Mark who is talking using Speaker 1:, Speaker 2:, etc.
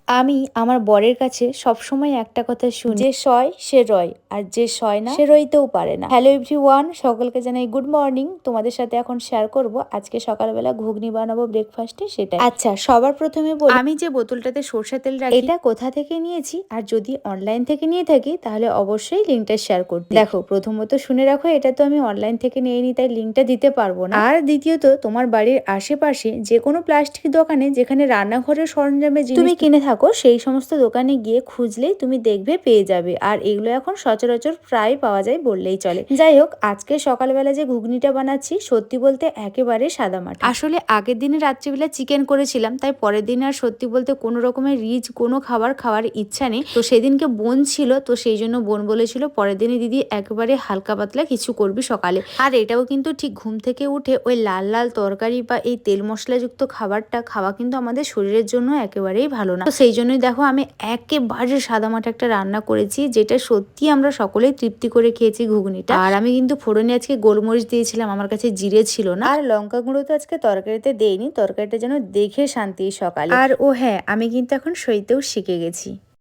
Speaker 1: আমি আমার বরের কাছে সবসময় একটা কথা শুনি, যে সয় সে রয়, আর যে সয় না সে রইতেও পারে না। হ্যালো এভরিওয়ান, সকলকে জানাই গুড মর্নিং। তোমাদের সাথে এখন শেয়ার করব আজকে সকালবেলা ঘুগনি বানাবো ব্রেকফাস্টে, সেটা। আচ্ছা, সবার প্রথমে বলি, আমি যে বোতলটাতে সরষের তেল রাখি এটা কোথা থেকে নিয়েছি, আর যদি অনলাইন থেকে নিয়ে থাকি তাহলে অবশ্যই লিঙ্কটা শেয়ার করতে। দেখো, প্রথমত শুনে রাখো, এটা তো আমি অনলাইন থেকে নিয়ে নিই, তাই লিঙ্কটা দিতে পারবো না। আর দ্বিতীয়ত, তোমার বাড়ির আশেপাশে যে কোনো প্লাস্টিক দোকানে যেখানে রান্নাঘরের সরঞ্জামের জিনিস তুমি কিনে থাকো, সেই সমস্ত দোকানে গিয়ে খুঁজলেই তুমি দেখবে পেয়ে যাবে। আর এগুলো এখন সচরাচর প্রায় পাওয়া যায় বললেই চলে। যাই হোক, আজকে সকালবেলা যে ঘুগনিটা বানাচ্ছি, সত্যি বলতে একেবারে সাদামাটা। আসলে আগের দিনে রাত্রিবেলা চিকেন করেছিলাম, তাই পরের দিন আর সত্যি বলতে কোনো রকমের রিচ কোনো খাবার খাওয়ার ইচ্ছা নেই। তো সেদিনকে বোন ছিল, তো সেই জন্য বোন বলেছিল পরের দিনে দিদি একেবারে হালকা পাতলা কিছু করবি সকালে। আর এটাও কিন্তু ঠিক ঘুম থেকে উঠে ওই লাল লাল তরকারি বা এই তেল মশলাযুক্ত খাবারটা খাওয়া কিন্তু আমাদের শরীরের জন্য একেবারেই ভালো না। তো সেই জন্যই দেখো, আমি একেবারে সাদামাটা একটা রান্না করেছি, যেটা সত্যি আমরা সকলেই তৃপ্তি করে খেয়েছি ঘুগনিটা। আর আমি কিন্তু ফোড়নে আজকে গোলমরিচ দিয়েছিলাম, আমার কাছে জিরে ছিল না। আর লঙ্কা গুঁড়ো তো আজকে তরকারিতে দেইনি, তরকারিটা যেন দেখে শান্তি সকালে। আর ও হ্যাঁ, আমি কিন্তু এখন সইতেও শিখে গেছি।